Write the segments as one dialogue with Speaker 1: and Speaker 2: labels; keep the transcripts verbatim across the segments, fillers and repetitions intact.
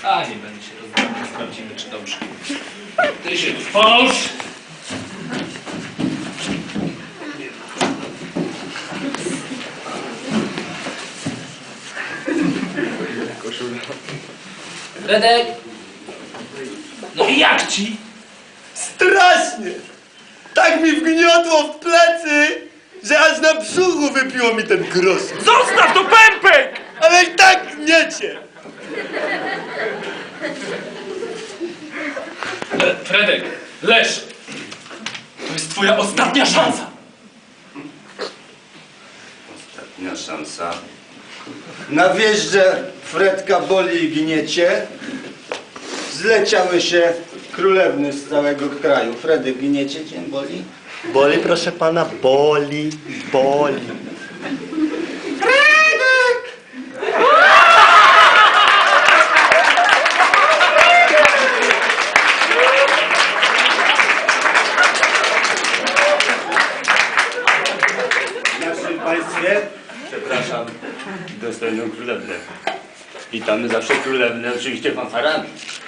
Speaker 1: A, nie będę się rozmawiał, sprawdzimy, czy dobrze. Ty się tu połóż. Fredek! No i jak ci?
Speaker 2: Strasznie! Tak mi wgniotło w plecy, że aż na brzuchu wypiło mi ten grosz.
Speaker 1: Zostaw to, pępek!
Speaker 2: Ale i tak gniecie!
Speaker 1: E, Fredek, leż! To jest twoja ostatnia szansa!
Speaker 2: Ostatnia szansa. Na wieżdżę Fredka boli i gniecie. Zleciały się królewny z całego kraju. Fredek, gniecie cię boli?
Speaker 3: Boli, proszę pana, boli, boli.
Speaker 2: Fredek! W naszym państwie, przepraszam, dostojną królewnę. Witamy zawsze królewnę, oczywiście fanfarami.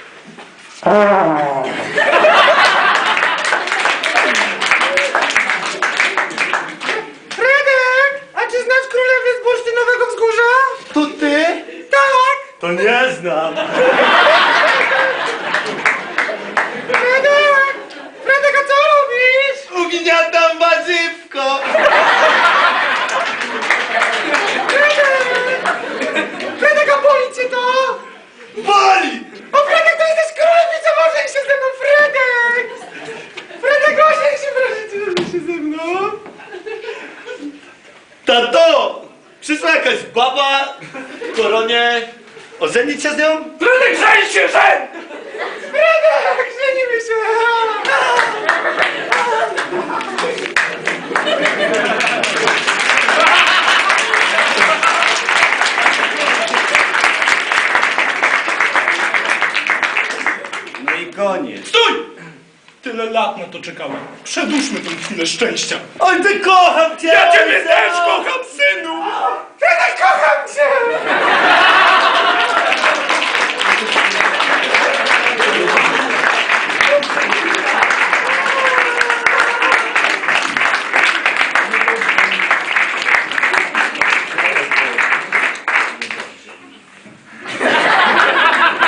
Speaker 4: Fredek! A czy znasz królewę z Bursztynowego Wzgórza?
Speaker 2: To ty?
Speaker 4: Tak!
Speaker 2: To nie znam.
Speaker 4: Fredek! Fredek, a co robisz?
Speaker 2: Ugniatam warzywko.
Speaker 4: Fredek, a boli cię to?
Speaker 2: Boli!
Speaker 4: O, Fredek, to jesteś królewicą, ożeń się ze mną, Fredek! Fredek, ożeń się, proszę cię, ożeń się ze mną.
Speaker 2: Tato! Przyszła jakaś baba w koronie. Ożenić się z nią?
Speaker 1: Fredek, żeń się, żeń!
Speaker 4: Fredek, żenimy się!
Speaker 2: No i koniec.
Speaker 1: Stój! Tyle lat na to czekałem. Przedłużmy tę chwilę szczęścia.
Speaker 2: Oj, ty kocham cię!
Speaker 1: Ja ciebie
Speaker 2: ojca!
Speaker 1: też kocham, synu!
Speaker 4: Fredek, kocham cię!